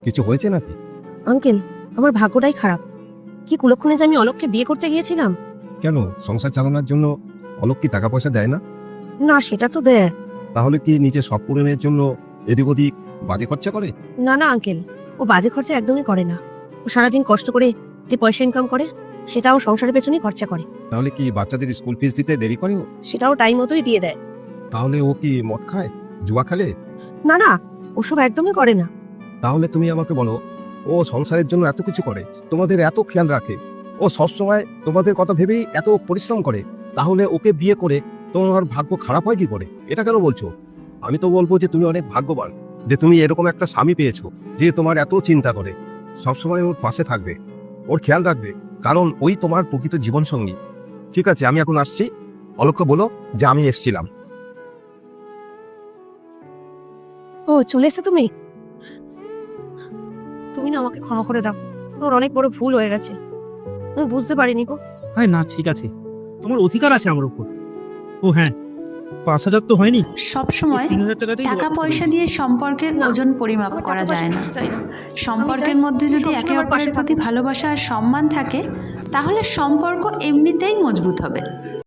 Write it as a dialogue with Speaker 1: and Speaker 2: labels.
Speaker 1: কিছু হয়েছে নাকি?
Speaker 2: আঙ্কেল, আমার ভাগ্যটাই খারাপ। কি কুলক্ষণে যে আমি অলোককে বিয়ে করতে গিয়েছিলাম।
Speaker 1: কেন, সংসার চালানোর জন্য অলোক কি টাকা পয়সা দেয় না?
Speaker 2: না, সেটা তো দেয়।
Speaker 1: তাহলে কি নিজের শখ পূরণের জন্য এদিক ওদিক বাজে খরচা করে?
Speaker 2: না না আঙ্কেল, ও বাজে খরচা একদমই করে না। ও সারাদিন কষ্ট করে যে পয়সা ইনকাম করে সেটাও সংসারের পেছনেই খরচা করে।
Speaker 1: তাহলে কি বাচ্চাদের স্কুল ফিস দিতে দেরি করে ও?
Speaker 2: সেটাও টাইম মতোই দিয়ে দেয়।
Speaker 1: তাহলে ও কি মদ খায়, জুয়া খেলে?
Speaker 2: না না, ওসব একদমই করে না।
Speaker 1: তাহলে তুমি আমাকে বলো, ও সংসারের জন্য এত কিছু করে, তোমাদের এত খেয়াল রাখে, ও সবসময় তোমাদের কথা ভেবেই এত পরিশ্রম করে, তাহলে ওকে বিয়ে করে তোমার ভাগ্য খারাপ হয় কি করে? এটা কেন বলছো? আমি তো বলবো যে তুমি অনেক ভাগ্যবান যে তুমি এরকম একটা স্বামী পেয়েছো যে তোমার এত চিন্তা করে, সবসময় ওর পাশে থাকবে, ওর খেয়াল রাখবে, কারণ ওই তোমার প্রকৃত জীবন সঙ্গী। ঠিক আছে, আমি এখন আসছি। অলোককে বলো যে আমি এসছিলাম।
Speaker 2: ও চলে এসে তুমি তুমি না আমাকে ক্ষমা করে দাও। ওর অনেক বড় ভুল হয়ে গেছে, আমি বুঝতে পারিনি গো।
Speaker 3: আরে না, ঠিক আছে, তোমার অধিকার আছে আমার উপর। ও হ্যাঁ, 5,000 তো হয়নি,
Speaker 4: সবসময়
Speaker 3: 3,000 টাকাতেই
Speaker 4: টাকা পয়সা দিয়ে সম্পর্কের
Speaker 2: না,
Speaker 4: ওজন পরিমাপ
Speaker 2: আমার
Speaker 4: করা
Speaker 2: টাকা পয়সা
Speaker 4: যায় না।
Speaker 2: কিছু চাই না।
Speaker 4: সম্পর্কের
Speaker 2: চাই
Speaker 4: মধ্যে
Speaker 2: তুমি
Speaker 4: যদি
Speaker 2: সবসময়
Speaker 4: একে
Speaker 2: আমার পাশে
Speaker 4: অপরের প্রতি
Speaker 2: থাকো।
Speaker 4: ভালোবাসা আর সম্মান থাকে, তাহলে সম্পর্ক এমনিতেই মজবুত হবে।